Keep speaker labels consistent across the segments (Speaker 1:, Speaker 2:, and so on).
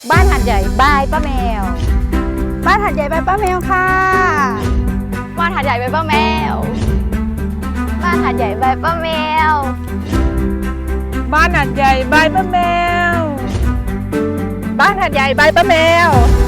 Speaker 1: บ้านหัดใหญ่บายป้าแมวบ้านหัดใหญ่บายป้าแมวค่ะบ้านหัดใหญ่บายป้าแมวบ้านหัดใหญ่บายป้าแมวบ้านหัดใหญ่บายป้าแมวบ้านหัดใหญ่บายป้าแมว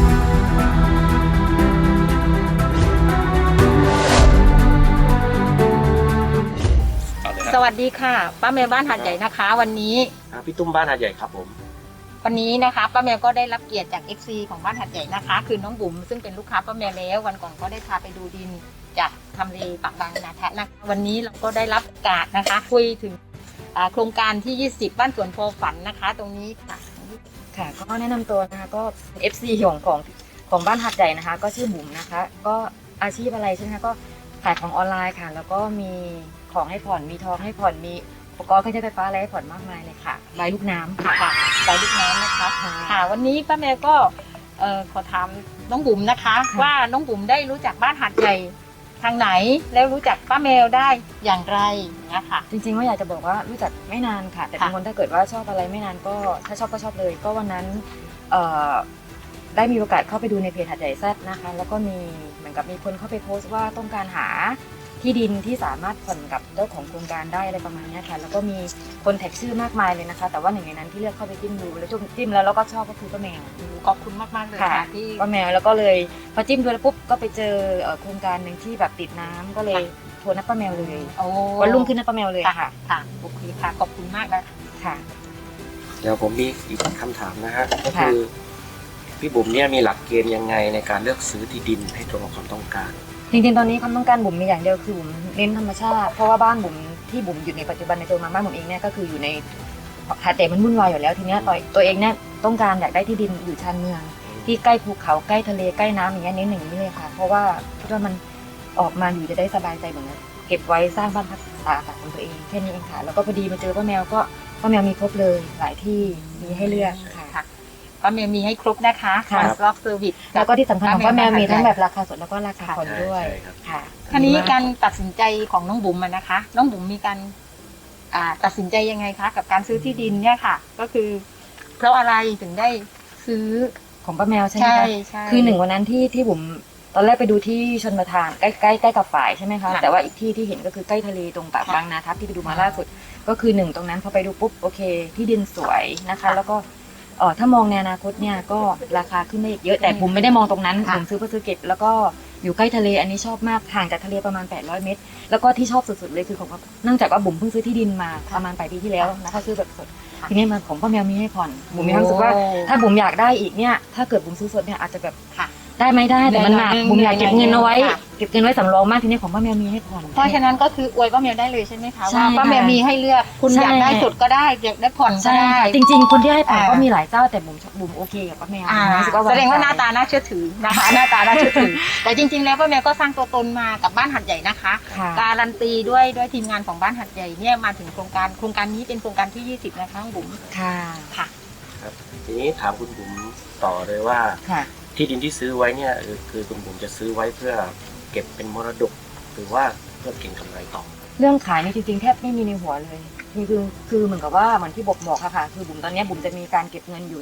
Speaker 2: สวัสดีค่ะป้าแมวบ้านหาดใหญ่นะคะ วันนี้
Speaker 3: พี่ตุ้มบ้านหาดใหญ่ครับผม
Speaker 2: วันนี้นะคะป้าแมวก็ได้รับเกียรติจาก FC ของบ้านหาดใหญ่นะคะ คือน้องบุ๋มซึ่งเป็นลูกค้าป้าแมวแล้ววันก่อนก็ได้พาไปดูดินจากทำเลปากบางนาแทะนะคะวันนี้เราก็ได้รับโอกาสนะคะคุยถึงโครงการที่ 20 บ้านสวนโพฝันนะคะ ตรงนี้ค่ะ
Speaker 4: ค่ะก็แนะนำตัวนะคะก็ FC ของบ้านหัดใหญ่นะคะ ก็ชื่อบุ๋มนะคะ ก็อาชีพอะไรใช่ไหมคะก็ขายของออนไลน์ค่ะ แล้วก็มีของให้ผ่อนมีทองให้ผ่อนมีอุปกรณ์เครื่องใช้ไฟฟ้าอะไรให้ผ่อนมากมายเลยค่ะใบลูกน้ำค่ะ
Speaker 2: ค่ะสายลูกน้ำนะคะค่ะวันนี้ป้าแมวก็ขอถามน้องบุ๋มนะคะ ว่าน้องบุ๋มได้รู้จักบ้านหาดใหญ่ทางไหนแล้วรู้จักป้าแมวได้อย่างไรนะคะ
Speaker 4: จริงๆว่าอยากจะบอกว่ารู้จักไม่นานค่ะ แต่เป็นคนถ้าเกิดว่าชอบอะไรไม่นานก็ถ้าชอบก็ชอบเลย ก็วันนั้นได้มีโอกาสเข้าไปดูในเพจหัดใหญ่แซดนะคะ แล้วก็มีเหมือนกับมีคนเข้าไปโพสต์ว่าต้องการหาที่ดินที่สามารถผ่อนกับเจ้าของโครงการได้อะไรประมาณนี้ค่ะแล้วก็มีคนแท็กชื่อมากมายเลยนะคะ แต่ว่าหนึ่งในนั้นที่เลือกเข้าไปจิ้มดูแล้วจิ้มแล้วก็ชอบก็คือป้าแมว
Speaker 2: ขอบคุณมากๆเลยค่ะที่
Speaker 4: ป้าแมวแล้วก็เลยพอจิ้มดูแล้วปุ๊บก็ไปเจอโครงการหนึ่งที่แบบติดน้ำก็เลยโทรนัดป้าแมวเลย
Speaker 2: โอ้
Speaker 4: วันรุ่งขึ้นนัดป้าแมวเลย
Speaker 2: ค่ะ
Speaker 4: ค่ะ
Speaker 2: ค่ะโอเคค่ะขอบคุณมากนะ
Speaker 4: ค่ะ
Speaker 3: เดี๋ยวผมมีอีกคำถามนะฮะก็คือพี่บุ๋มเนี่ยมีหลักเกณฑ์ยังไงในการเลือกซื้อที่ดินให้ตรงกับความต้องการ
Speaker 4: จริงๆตอนนี้ความต้องการบุ๋มมีอย่างเดียวคือบุ๋มเน้นธรรมชาติเพราะว่าบ้านบุ๋มที่บุ๋มอยู่ในปัจจุบันในตัวมาบ้านบุ๋มเองเนี่ยก็คืออยู่ในหาดใหญ่มันวุ่นวายอยู่แล้วทีเนี้ยตัวเองเนี่ยต้องการอยากได้ที่ดินอยู่ชานเมือง ที่ใกล้ภูเขาใกล้ทะเลใกล้น้ำอย่างเงี้ยเน้นอย่างนี้เลยค่ะ เพราะว่าคิดว่ามันออกมาอยู่จะได้สบายใจเหมือนกันเก็บไว้สร้างบ้านพักตากอากาศของตัวเองแค่นี้เองค่ะแล้วก็พอดีมาเจอป้าแมวก็ป้าแมวมีครบเลยหลายที่มีให้เลือกค่ะ
Speaker 2: ค่ะป้าแมวมีให้ครบนะคะ
Speaker 4: ค่ะ
Speaker 2: One Stop Service
Speaker 4: แล้วก็ที่สำคัญของป้าแมวมีทั้งแบบราคาสดแล้วก็ราคาผ่อนด้วย
Speaker 3: ใช่ครับ
Speaker 4: ค่ะ
Speaker 2: ทีนี้การตัดสินใจของน้องบุ๋มอะนะคะ น้องบุ๋มมีการตัดสินใจยังไงคะกับการซื้อที่ดินเนี่ยค่ะ ก็คือ เพราะอะไรถึงได้ซื้อ
Speaker 4: ของป้าแมวใช่ไหม
Speaker 2: ใช่
Speaker 4: คะ
Speaker 2: ใช่
Speaker 4: คือหนึ่งวันนั้นที่บุ๋มตอนแรกไปดูที่ชนประทานใกล้กับฝ่ายใช่ไหมคะ
Speaker 2: ค่ะ
Speaker 4: แต่ว่าอีกที่ที่เห็นก็คือใกล้ทะเลตรงปาก
Speaker 2: ค่ะ
Speaker 4: บางนาทับที่ไปดูมาล่าสุด ก็คือหนึ่งตรงนั้นพอไปดูปุ๊บโอเค ที่ดินสวยนะคะ แล้วก็ถ้ามองในอนาคตเนี่ยก็ราคาขึ้นได้อีกเยอะแต่บุ๋มไม่ได้มองตรงนั้น
Speaker 2: ค่ะ
Speaker 4: บุ๋มซื้อเพื่อซื้อเก็บแล้วก็อยู่ใกล้ทะเลอันนี้ชอบมากห่างจากทะเลประมาณ800เมตรแล้วก็ที่ชอบสุดๆเลยคือของเนื่องจากว่าบุ๋มเพิ่งซื้อที่ดินมาประมาณปลายปีที่แล้วนะคะซื้อแบบสดทีนี้มาของป้าแมวมีให้ผ่อนบุ๋มมีความรู้สึกว่า ถ้าบุ๋มอยากได้อีกเนี่ยถ้าเกิดบุ๋มซื้อสดเนี่ยอาจจะแบบ
Speaker 2: ค่ะ
Speaker 4: ได้ไหมได้แต่มันหนัก
Speaker 2: ได้
Speaker 4: บุ๋มอยากเก็บเงินเอาไว้
Speaker 2: ค่ะ
Speaker 4: เก็บเงินไว้สำรองมากทีนี้ของป้าแมวมีให้ผ่อน
Speaker 2: เพราะฉะนั้นก็คืออวยป้าแมวได้เลยใช่ไหมคะ
Speaker 4: ใช่
Speaker 2: ว่าป้าแมว
Speaker 4: ค่ะ
Speaker 2: มีให้เลือกคุณ
Speaker 4: ใช่
Speaker 2: อยากได้สดก็ได้อยากได้ผ่อนก็
Speaker 4: ใช่
Speaker 2: ได้
Speaker 4: ค่ะจริงๆคนที่ให้ผ่อน
Speaker 2: อ่า
Speaker 4: ก็มีหลายเจ้าแต่บุ๋มโอเคกับป้าแมว รู้สึกว่า
Speaker 2: แสดงว่าหน้า
Speaker 4: ใจ
Speaker 2: ตาน่าเชื่อถือนะคะ หน้าตาน่าเชื่อถือ แต่จริง ๆ แล้วป้าแมวก็สร้างตัวตนมากับบ้านหัดใหญ่นะคะ
Speaker 4: ค่ะ
Speaker 2: การันตีด้วยทีมงานของบ้านหัดใหญ่เนี่ยมาถึงโครงการนี้เป็นโครงการที่ 20 นะคะบุ๋ม
Speaker 4: ค่ะ
Speaker 2: ค่ะ
Speaker 3: ครับทีนี้ถามคุณบุ๋มต่อเลยว่า
Speaker 4: ค่ะ
Speaker 3: ที่ดินที่ซื้อไว้เนี่ยคือคุณบุ๋มจะซื้อไว้เพื่อเก็บเป็นมรดก หรือว่าเพื่อเก็งกำไรต่อ
Speaker 4: เรื่องขายนี่จริงๆแทบไม่มีในหัวเลยคือเหมือนกับว่าเหมือนที่บอกค่ะคือบุ๋มตอนนี้บุ๋มจะมีการเก็บเงินอยู่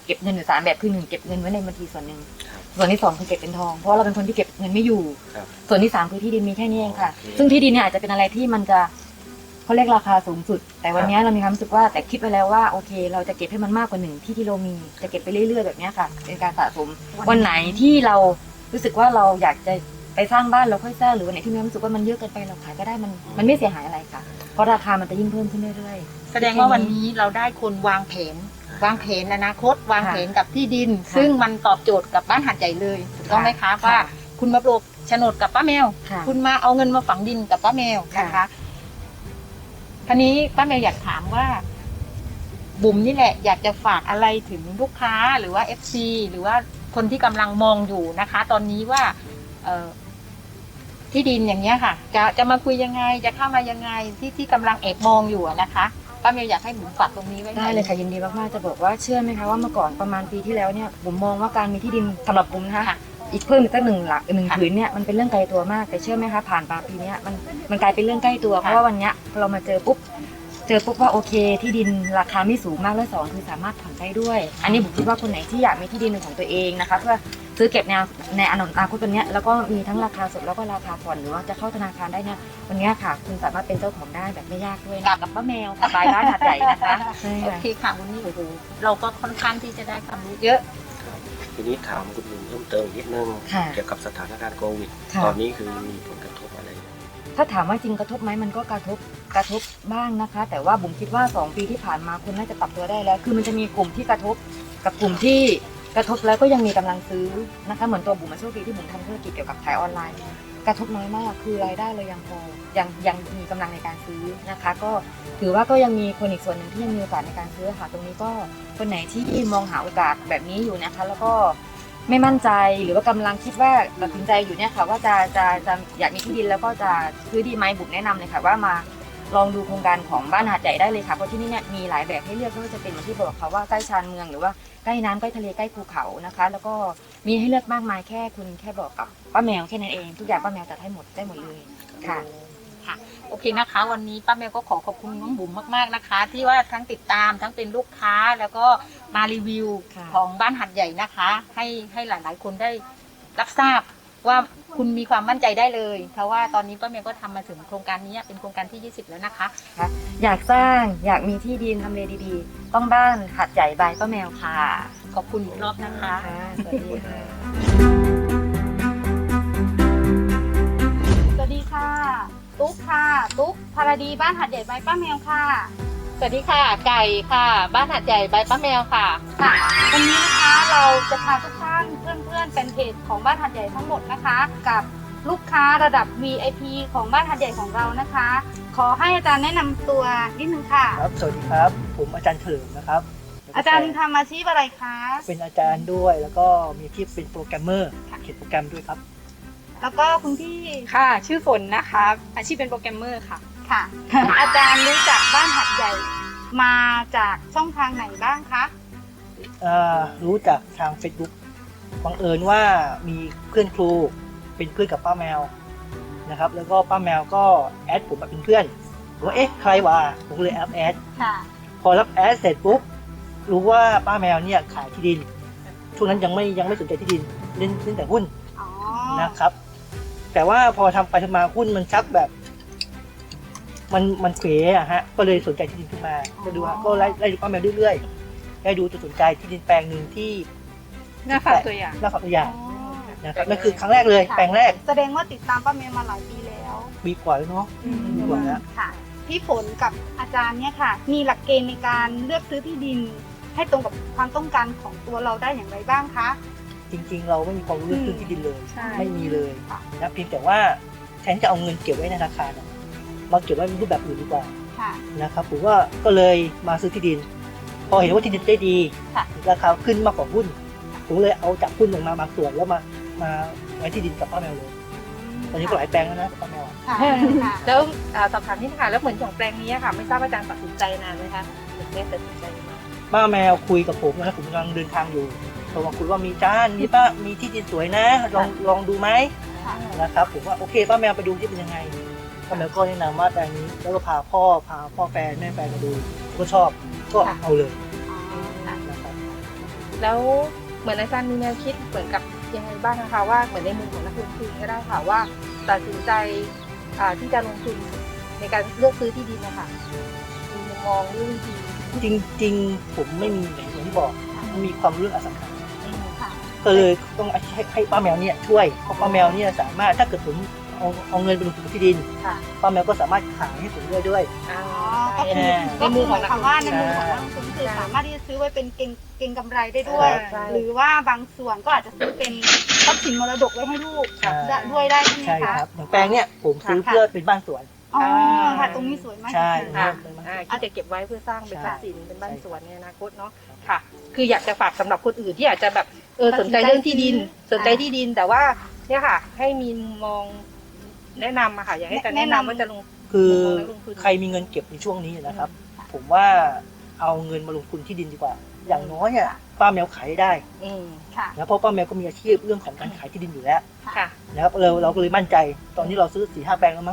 Speaker 4: 3แบบคือ1เก็บเงินไว้ในบัญชีส่วนหนึ่ง
Speaker 3: ครับ
Speaker 4: ส่วนที่2คือเก็บเป็นทองเพราะเราเป็นคนที่เก็บเงินไม่อยู่
Speaker 3: ครับ
Speaker 4: ส่วนที่3คือที่ดินมีแค่นี้เองค่ะ
Speaker 3: โอเค
Speaker 4: ซึ่งที่ดินเนี่ยอาจจะเป็นอะไรที่มันจะเขาเรียกราคาสูงสุด แต่วันนี้เรามีความรู้สึกว่าแต่คิดไว้แล้วว่าโอเค เราจะเก็บให้มันมากกว่า1ที่เรามีจะเก็บไปเรื่อยๆแบบนี้ค่ะเป็นการสะสมวันไหนที่เรารู้สึกว่าเราอยากจะไปสร้างบ้านเราค่อยสร้างหรือวันไหนที่มีความรู้สึกว่ามันเยอะเกินไปเราขายก็ได้มันไม่เสียหายอะไรค่ะเพราะราคามันจะยิ่งเพิ่มขึ้นเรื่อยๆ
Speaker 2: แสดงว่าวันนี้เราได้คนวางแผนอนาคตวางแผนกับที่ดิน
Speaker 4: ค่ะ
Speaker 2: ซึ่งมันตอบโจทย์กับบ้านหัดใหญ่เลยถูกต้องไหมคะ
Speaker 4: ค่ะ
Speaker 2: ว่าคุณมาปลูกโฉนดกับป้าแมว
Speaker 4: ค่ะ
Speaker 2: คุณมาเอาเงินมาฝังดินกับป้าแมวนะคะ ทีนี้ป้าแมวอยากถามว่า บุ๋มนี่แหละอยากจะฝากอะไรถึงลูกค้าหรือว่า FC หรือว่าคนที่กำลังมองอยู่นะคะ ตอนนี้ว่าที่ดินอย่างเงี้ยค่ะ จะมาคุยยังไงจะเข้ามายังไงที่กำลังแอบมองอยู่อะนะคะป้าแมวอยากให้บุ๋มฝากตรงนี้ไว้หน่
Speaker 4: ได้
Speaker 2: อย
Speaker 4: เลยค่ะยินดีมากๆจะบอกว่าเชื่อไหมคะว่าเมื่อก่อนประมาณปีที่แล้วเนี่ยบุ๋มมองว่าการมีที่ดินสำหรับบุ๋มนะคะ
Speaker 2: ค่ะ
Speaker 4: อีกเพิ่มอีกสักหนึ่งหลักหนึ่ง
Speaker 2: ค่ะ
Speaker 4: ผืนเนี่ยมันเป็นเรื่องไกลตัวมากแต่เชื่อไหมคะผ่านมาปีเนี้ยมันกลายเป็นเรื่องใกล้ตัวเพราะว่าวันเนี้ยพอเรามาเจอปุ๊บเจอปุ๊บว่าโอเคที่ดินราคาไม่สูงมากและสองคือสามารถผ่อนได้ด้วย อันนี้ผมคิดว่าคนไหนที่อยากมีที่ดินเป็นของตัวเองนะคะเพื่อซื้อเก็บในอนาคตตัวเนี้ยแล้วก็มีทั้งราคาสดแล้วก็ราคาผ่อนหรือว่าจะเข้าธนาคารได้เนี่ยวันเนี้ยค่ะคุณสามารถเป็นเจ้าของได้แบบไม่ยากด้วยนะกับป้าแมวกับบ้านหาดใหญ่นะคะใช่
Speaker 2: โอ
Speaker 4: ค่ะ
Speaker 2: เคค่ะวันนี้โอ้โหเราก็ค่อนข้างที่จะได้ความรู้เยอะ
Speaker 3: ทีนี้ถามคุณบุ๋มเพิ่มเติมอีกนิดนึง
Speaker 4: ค่ะ
Speaker 3: เกี่ยวกับสถานการณ์โควิด
Speaker 4: ค่ะ
Speaker 3: ตอนนี้คือมีผลกระทบอะไร
Speaker 4: ถ้าถามว่าจริงกระทบไหมมันก็กระทบบ้างนะคะ แต่ว่าบุ๋มคิดว่า2 ปีที่ผ่านมาคนน่าจะปรับตัวได้แล้ว คือมันจะมีกลุ่มที่กระทบกับกลุ่มที่กระทบแล้วก็ยังมีกำลังซื้อนะคะเหมือนตัวบุ๋มมาโชคดีที่บุ๋มทำธุรกิจเกี่ยวกับขายออนไลน์กระทบน้อยมากคือรายได้เลยยังพอยังมีกำลังในการซื้อนะคะ ก็ถือว่าก็ยังมีคนอีกส่วนหนึ่งที่ยังมีโอกาสในการซื้อค่ะตรงนี้ก็คนไหนที่มองหาโอกาสแบบนี้อยู่นะคะ แล้วก็ไม่มั่นใจหรือว่ากำลังคิดว่าตัดสินใจอยู่เนี่ยค่ะว่าจะอยากมีที่ดินแล้วก็จะซื้อดีไหมบุ๋มแนะนำเลยค่ะว่ามาลองดูโครงการของบ้านหาดใหญ่ได้เลยค่ะเพราะที่นี่เนี่ยมีหลายแบบให้เลือกไม่ว่าจะเป็นเหมือนที่บอกค่ะว่าใกล้ชานเมืองหรือว่าใกล้น้ำใกล้ทะเลใกล้ภูเขานะคะ แล้วก็มีให้เลือกมากมายแค่คุณแค่บอกกับป้าแมวแค่นั้นเองทุกอย่างป้าแมวจัดให้หมดได้หมดเลยค่ะ
Speaker 2: โอเคนะคะ วันนี้ป้าแมวก็ขอบคุณน้องบุ๋มมากๆนะคะ ที่ว่าทั้งติดตามทั้งเป็นลูกค้าแล้วก็มารีวิว
Speaker 4: ค่ะ
Speaker 2: ของบ้านหัดใหญ่นะคะ ให้หลายๆคนได้รับทราบว่าคุณมีความมั่นใจได้เลยเพราะว่าตอนนี้ป้าแมวก็ทำมาถึงโครงการนี้เป็นโครงการที่ 20 แล้วนะคะ
Speaker 4: อยากสร้างอยากมีที่ดินทำเลดีๆต้องบ้านหาดใหญ่บายป้าแมวค่ะ
Speaker 2: ขอบคุณอีกรอบนะคะ
Speaker 4: สวัสดีค่ะ
Speaker 1: สวัสดีค่ะ ตุ๊กค่ะ ตุ๊กพารดีบ้านหัดใหญ่ใบป้าแมวค่ะ
Speaker 2: สวัสดีค่ะ ไก่ค่ะ บ้านหัดใหญ่ใบป้าแมวค่ะ
Speaker 1: ค่ะ วันนี้นะคะเราจะพาทุกท่านเพื่อนๆเป็นเพจของบ้านหัดใหญ่ทั้งหมดนะคะ กับลูกค้าระดับ VIP ของบ้านหัดใหญ่ของเรานะคะ ขอให้อาจารย์แนะนำตัวนิดนึงค่ะ
Speaker 5: ครับ สวัสดีครับ ผมอาจารย์เฉลิมนะครับ
Speaker 1: อาจารย์ทำอาชีพอะไรคะ
Speaker 5: เป็นอาจารย์ด้วย แล้วก็มีอาชีพเป็นโปรแกรมเมอร์เขียนโปรแกรมด้วยครับ
Speaker 1: แล้วก็คุณพี่
Speaker 6: ค่ะ ชื่อฝนนะคะ อาชีพเป็นโปรแกรมเมอร์ค่ะ
Speaker 1: ค่ะ อาจารย์รู้จักบ้านหัดใหญ่มาจากช่องทางไหนบ้างคะ
Speaker 5: รู้จักทาง Facebook บังเอิญว่ามีเพื่อนครูเป็นเพื่อนกับป้าแมวนะครับ แล้วก็ป้าแมวก็แอดผมมาเป็นเพื่อนผมว่าเอ๊ะใครวะผมก็เลยแอด
Speaker 1: ค่ะ
Speaker 5: พอรับแอดเสร็จปุ๊บรู้ว่าป้าแมวเนี่ยขายที่ดินช่วงนั้นยังไม่สนใจที่ดินเล่นแต่หุ้น
Speaker 1: อ๋อ
Speaker 5: นะครับ แต่ว่าพอทำไปทำมาหุ้นมันชักแบบ มันเขวอะฮะก็เลยสนใจที่ดินขึ้นมาก็ดูฮะก็ไล่ดูป้าแมวเรื่อยๆได้ดูจนสนใจที่ดินแปลงหนึ่งที่
Speaker 6: หน้าฝากตัวอย่าง
Speaker 5: หน้าฝากตัวอย่าง
Speaker 1: อ๋อ
Speaker 5: นะครับนั่นคือครั้งแรกเลยแปลงแรก
Speaker 1: แสดงว่าติดตามป้าแมวมาหลายปีแล้ว
Speaker 5: ปีกว่าแล้วเนาะปีกว่าแล้ว
Speaker 1: ค่ะ พี่ฝนกับอาจารย์เนี่ยค่ะ มีหลักเกณฑ์ในการเลือกซื้อที่ดิน ให้ตรงกับความต้องการของตัวเราได้อย่างไรบ้างคะ
Speaker 5: จริงๆ เราไม่มีความรู้เรื่องซื้อที่ดินเลย
Speaker 6: ใช่
Speaker 5: ไม่มีเลย
Speaker 1: ค่ะ
Speaker 5: นะเพียงแต่ว่าแทนจะเอาเงินเก็บไว้ในธนาคารอะมาเก็บไว้ในรูปแบบอื่นดีกว่า
Speaker 1: ค่ะ
Speaker 5: นะครับผมว่าก็เลยมาซื้อที่ดิน พอเห็นว่าที่ดินได้ดี
Speaker 1: ค่ะ
Speaker 5: ราคาขึ้นมากกว่าหุ้นผมเลยเอาจากหุ้นลงมาบางส่วนแล้วมาไว้ที่ดินกับป้าแมวเลยตอนนี้ก็หลายแปลงแล้วนะกับป้าแมว
Speaker 1: ค่ะค่ะ
Speaker 6: แล้วสอบถามนิดค่ะ แล้วเหมือนของแปลงนี้ค่ะ ไม่ทราบอาจารย์ตัดสินใจนานไหมคะถึงได้ตัดสินใจมา
Speaker 5: ป้าแมวคุยกับผมนะครับผมกำลังเดินทางอยู่โทรมาคุยว่ามีมีที่ดินสวยนะลองดูไหม
Speaker 1: ค่ะ
Speaker 5: นะครับผมว่าโอเคป้าแมวไปดูที่เป็นยังไงป้าแมวก็แนะนำว่าแปลงนี้แล้วก็พาพ่อแฟนแม่แฟนมาดูก็ชอบก็เอาเลย
Speaker 1: อ๋อค่ะ
Speaker 5: นะครับ
Speaker 6: แล้วเหมือนอาจารย์มีแนวคิดเหมือนกับยังไงบ้างนะคะว่าเหมือนในมุมของนักลงทุนก็ได้ค่ะว่าตัดสินใจที่จะลงทุนในการเลือกซื้อที่ดินนะคะมีมุมมองเรื่องวิธี
Speaker 5: จริงๆผมไม่มีอย่างที่บอกมันมีความรู้เรื่องอสังหา
Speaker 1: ค่ะ
Speaker 5: ก็เลยต้องให้ป้าแมวเนี่ยช่วยเพราะป้าแมวเนี่ยสามารถถ้าเกิดผมเอาเงินไปลงทุนที่ดิน
Speaker 6: ค่ะ
Speaker 5: ป้าแมวก็สามารถขายให้ผมด้วย
Speaker 1: อ๋อ ก็คือ
Speaker 6: ในมุมของนักลงทุน
Speaker 1: ว่าในมุมของนักลงทุนคือสามารถที่จะซื้อไว้เป็นเก็งกำไรได้ด้วย
Speaker 6: ใช่
Speaker 1: หรือว่าบางส่วนก็อาจจะซื้อเป็นทรัพย์สินมรดกไว้ให้ลูก
Speaker 5: ใช่
Speaker 1: ด้วยได้ใช่ไหม
Speaker 5: ใช่
Speaker 1: คะ
Speaker 5: ครับอย่างแปลงเนี่ยผมซื้อเพื่อเป็นบ้านสวน
Speaker 1: อ๋อค่ะตรงนี้สวยมาก
Speaker 5: ใช่
Speaker 6: ค่ะ
Speaker 5: เป็นบ้านสวน
Speaker 6: ที่จะเก็บไว้เพื่อสร้างเป็น
Speaker 5: ใช่
Speaker 6: ทรัพย์สินเป็นบ้านสวนในอนาคตเนาะค่ะ คืออยากจะฝากสำหรับคนอื่นที่อาจจะแบบสนใจเรื่องที่ดิน สนใจที่ดินแต่ว่าเนี่ยค่ะ ให้มีมุมมองแนะนำอะค่ะอยากให้การแนะนำว่าจะลง
Speaker 5: คือ
Speaker 6: มุมมองนักลงทุน
Speaker 5: ใครมีเงินเก็บในช่วงนี้นะครับ ผมว่าเอาเงินมาลงทุนที่ดินดีกว่า อย่างน้อยอ่ะป้าแมวขายได้
Speaker 6: อืม
Speaker 1: ค่ะ
Speaker 5: นะเพราะป้าแมวก็มีอาชีพเรื่องของการขายที่ดินอยู่แล้ว
Speaker 6: ค่ะ
Speaker 5: นะครับเราก็เลยมั่นใจตอนนี้เราซื้อ4-5 แปลงแล้วมั้ง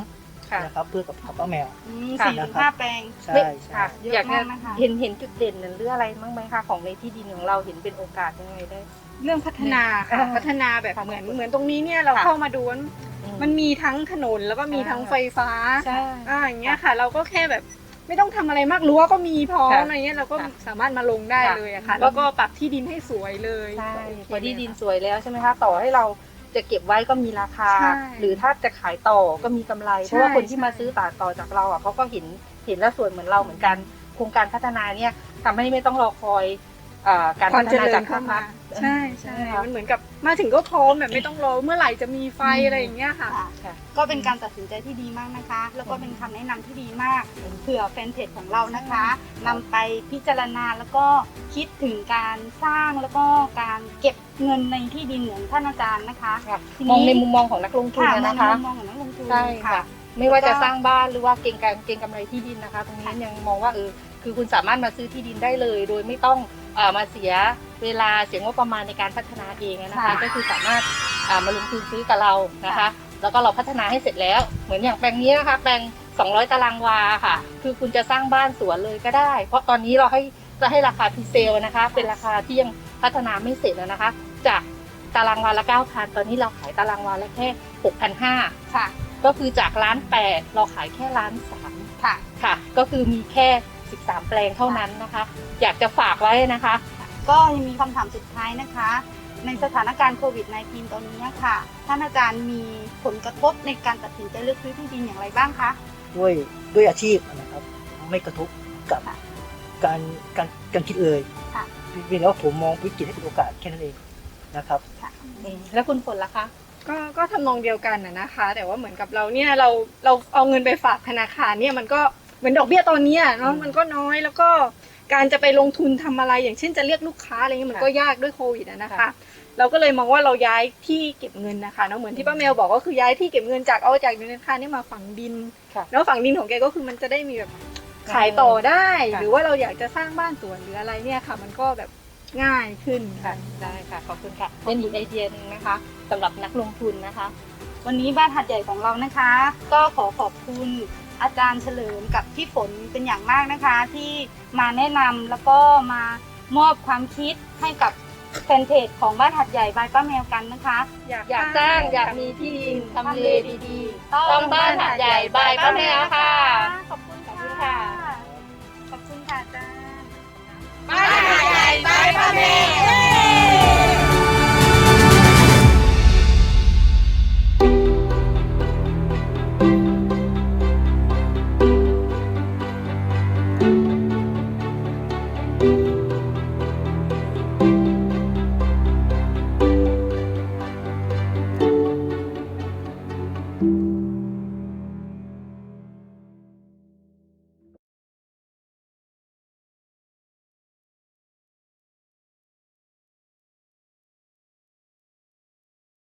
Speaker 6: ค่ะ
Speaker 5: นะครับเพื่อกับป้าแมว
Speaker 6: ค่ะ
Speaker 5: 45
Speaker 1: แปลง
Speaker 5: ใช่ใช่
Speaker 6: ค่ะ
Speaker 1: เยอะ
Speaker 6: อยากจะ
Speaker 1: มากนะคะ
Speaker 6: เห็นจุดเด่นหรืออะไรบ้างไหมคะของในที่ดินของเราเห็นเป็นโอกาสยังไงได้
Speaker 7: เรื่องพัฒนาค่ะ
Speaker 6: อ่า
Speaker 7: พัฒนาแบบ
Speaker 6: ค่ะ
Speaker 7: เหมือนตรงนี้เนี่ยเรา
Speaker 6: ค่ะ
Speaker 7: เข้ามาดูว่ามันมีทั้งถนนแล้วก็มีทั้งไฟฟ้า
Speaker 6: ใช่
Speaker 7: อย่างเงี้ยค่ะ เราก็แค่แบบไม่ต้องทำอะไรมากรั้วก็มีพร้อม
Speaker 6: ค่ะ
Speaker 7: อะไรเงี้ยเราก็
Speaker 6: ค่ะ
Speaker 7: สามารถมาลงได้
Speaker 6: ค่ะ
Speaker 7: เลยอะค่ะ
Speaker 6: แล้ว
Speaker 7: แล้วก็ปรับที่ดินให้สวยเลย
Speaker 6: ใช่
Speaker 7: ก็โอเค
Speaker 6: พอที่ดิน
Speaker 7: เลยค่ะ
Speaker 6: สวยแล้วใช่ไหมคะต่อให้เราจะเก็บไว้ก็มีราคา
Speaker 7: ใช่
Speaker 6: หรือถ้าจะขายต่อก็มีกำไร เพราะว่าคนที่
Speaker 7: ใช่
Speaker 6: มาซื้อต่อจากเราอ่ะเขาก็เห็นแล้วสวยเหมือนเราเหมือนกันโครงการพัฒนาเนี่ยทำให้ไม่ต้องรอคอยการ
Speaker 7: ควา
Speaker 6: พั
Speaker 7: ม
Speaker 6: ฒ
Speaker 7: เจ
Speaker 6: นา
Speaker 7: ริ
Speaker 6: จา
Speaker 7: ญ
Speaker 6: ก
Speaker 7: เข้า
Speaker 6: ภาค
Speaker 7: มา
Speaker 6: รัฐ
Speaker 7: ใช่ใช่
Speaker 6: ใช่ค่ะ
Speaker 7: มันเหมือนกับมาถึงก็พร้อมแบบไม่ต้องรอเมื่อไหร่จะมีไฟอะไรอย่างเงี้ยค่ะ
Speaker 6: ค่ะ
Speaker 1: ก็เป็นการตัดสินใจที่ดีมากนะคะ แล้วก็เป็นคำแนะนำที่ดีมากเผื่อแฟนเพจของเรานะคะนำไปพิจารณาแล้วก็คิดถึงการสร้างแล้วก็การเก็บเงินในที่ดินเหมือนท่านอาจารย์นะคะ
Speaker 6: ค่ะ
Speaker 1: ที
Speaker 6: มองในมุมมองของนักลงทุน
Speaker 1: ค่ะ
Speaker 6: นะคะ
Speaker 1: มองของนักลงทุน
Speaker 6: ใช่ค่ะ ไม่ว่าจะสร้างบ้านหรือว่าเก็งกำไรที่ดินนะคะ ตรงนี้ยังมองว่าคือคุณสามารถมาซื้อที่ดินได้เลย โดยไม่ต้องมาเสียเวลาเสียงบประมาณในการพัฒนาเองนะคะ
Speaker 1: ค่ะ
Speaker 6: ก็คือสามารถมาลงทุนซื้อกับเรานะคะ แล้วก็เราพัฒนาให้เสร็จแล้ว เหมือนอย่างแปลงนี้นะคะแปลง200 ตารางวาค่ะ คือคุณจะสร้างบ้านสวนเลยก็ได้ เพราะตอนนี้เราจะให้ราคาพรีเซลนะคะ เป็นราคาที่ยังพัฒนาไม่เสร็จนะคะ จากตารางวาละ 9,000 ตอนนี้เราขายตารางวาละแค่ 6,500
Speaker 1: ค่ะ
Speaker 6: ก็คือจาก1,800,000เราขายแค่1,300,000
Speaker 1: ค่ะ
Speaker 6: ค่ะ ก็คือมีแค่ 13 แปลงเท่านั้นนะคะ อยากจะฝากไว้นะคะ
Speaker 1: ก็ยังมีคำถามสุดท้ายนะคะ ในสถานการณ์โควิด -19 ตอนนี้ค่ะ ท่านอาจารย์มีผลกระทบในการตัดสินใจเลือกซื้อที่ดินอย่างไรบ้างคะ
Speaker 5: ด้วยอาชีพนะครับไม่กระทบกับ
Speaker 1: ค่ะ
Speaker 5: การคิดเลย
Speaker 1: ค่ะ
Speaker 5: เพียงแต่ว่าผมมองวิกฤตให้เป็นโอกาสแค่นั้นเองนะครับ
Speaker 6: แล้วคุณฝนล่ะคะ
Speaker 7: ก็ทำนองเดียวกันนะคะ แต่ว่าเหมือนกับเราเนี่ยเราเอาเงินไปฝากธนาคารเนี่ยมันก็เหมือนดอกเบี้ยตอนเนี้ยเนาะมันก็น้อยแล้วก็การจะไปลงทุนทำอะไรอย่างเช่นจะเรียกลูกค้าอะไรเงี้ยมันก็ยากด้วยโควิดนะคะ
Speaker 6: ค่ะ
Speaker 7: เราก็เลยมองว่าเราย้ายที่เก็บเงินนะคะเนาะเหมือนที่ป้าแมวบอกก็คือย้ายที่เก็บเงินจากธนาคารนี่มาฝังดิน
Speaker 6: ค่ะ
Speaker 7: แล้วฝังดินของแกก็คือมันจะได้มีแบบขายต่อได้
Speaker 6: ค่ะ
Speaker 7: หรือว่าเราอยากจะสร้างบ้านสวนหรืออะไรเนี่ยค่ะ มันก็แบบง่ายขึ้น
Speaker 6: ค่ะ ได้ค่ะ ขอบคุณค่ะ เป็นอีกไอเดียหนึงนะคะสำหรับนักลงทุนนะคะ
Speaker 1: วันนี้บ้านหัดใหญ่ของเรานะคะ ก็ขอขอบคุณอาจารย์เฉลิมกับพี่ฝนเป็นอย่างมากนะคะ ที่มาแนะนำแล้วก็มามอบความคิดให้กับแฟนเพจของบ้านหัดใหญ่บายป้าแมวกันนะคะ
Speaker 6: อยากสร้างอยากมีที่ดินทำเลดีๆต้องบ้านหัดใหญ่บายป้าแมวค่ะ
Speaker 1: ขอบคุณ
Speaker 6: ขอบคุณค่ะ
Speaker 1: ขอบคุณค่ะอาจารย์
Speaker 2: บ้านหัดใหญ่บายป้าแมว